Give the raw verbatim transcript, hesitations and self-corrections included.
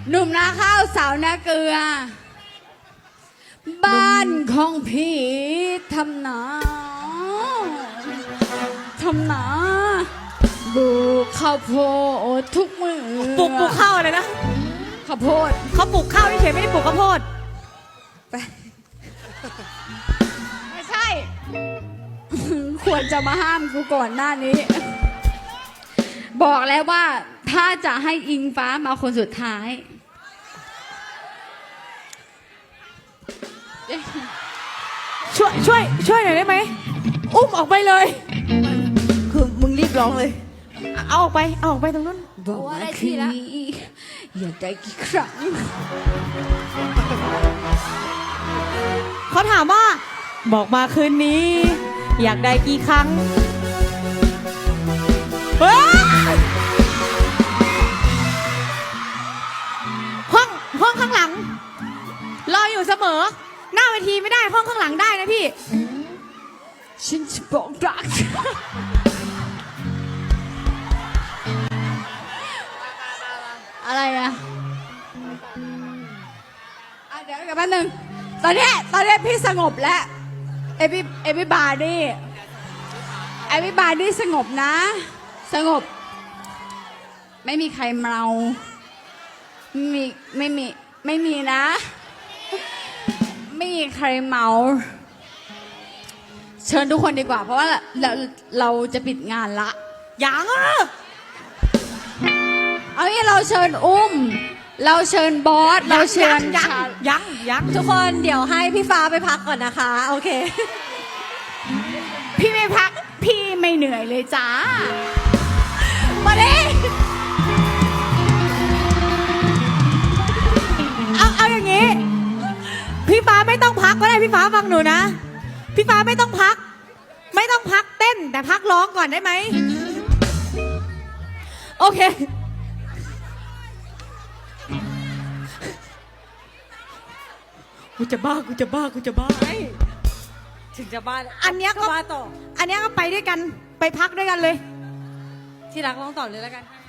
หนุ่มนาข้าวสาวนาเกลือ บ้านของพี่ทำนาทำนาบูข้าวโพดทุกมือปลูกปลูกข้าวอะไรนะข้าวโพดเขาปลูกข้าวเฉยๆไม่ได้ปลูกข้าวโพดไปไม่ใช่ ควรจะมาห้ามกูก่อนหน้านี้ บอกแล้วว่าถ้าจะให้อิงฟ้ามาคนสุดท้ายช่วยช่วยช่วยหน่อยได้ไหมอุ้มออกไปเลยคือมึงรีบร้องเลยเอาออกไปเอาออกไปตรงนู้นบอกว่าคืนนี้อยากได้กี่ครั้งเขาถามว่า บอกมาคืนนี้ อยากได้กี่ครั้งเฮ้ยห้องห้องข้างหลัง รออยู่เสมอ หน้าเวทีไม่ได้ห้องข้างหลังได้นะพี่ฉันจะบอกรัก อะไรอะอ่ะเดี๋ยวกันแป๊บนึงตอนนี้ตอนนี้พี่สงบแล้วเอพี่เอพี่บาร์ดี้เอพี่บาร์ดี้สงบนะ สงบ ไม่มีใครเมาไม่มีไม่มีไม่มีนะ ไม่มีใครเมา เชิญทุกคนดีกว่า เพราะว่าเราเราจะปิดงานละยังอ่ะเอางี้เราเชิญอุ้ม เราเชิญบอส เราเชิญยังชายังยังทุกคนเดี๋ยวให้พี่ฟ้าไปพักก่อนนะคะ โอเคพี่ไม่พัก พี่ไม่เหนื่อยเลยจ้า มาดิเอาเอาอย่างนี้ พี่ฟ้าไม่ต้องพักก็ได้พี่ฟ้าฟังหนูนะ พี่ฟ้าไม่ต้องพัก ไม่ต้องพักเต้นแต่พักร้องก่อนได้ไหมโอเคกูจะบ้ากูจะบ้ากูจะบ้าถึงจะบ้าอันเนี้ยก็บ้าต่ออันเนี้ยก็ไปด้วยกันไปพักด้วยกันเลยที่รักร้องต่อเลยแล้วกัน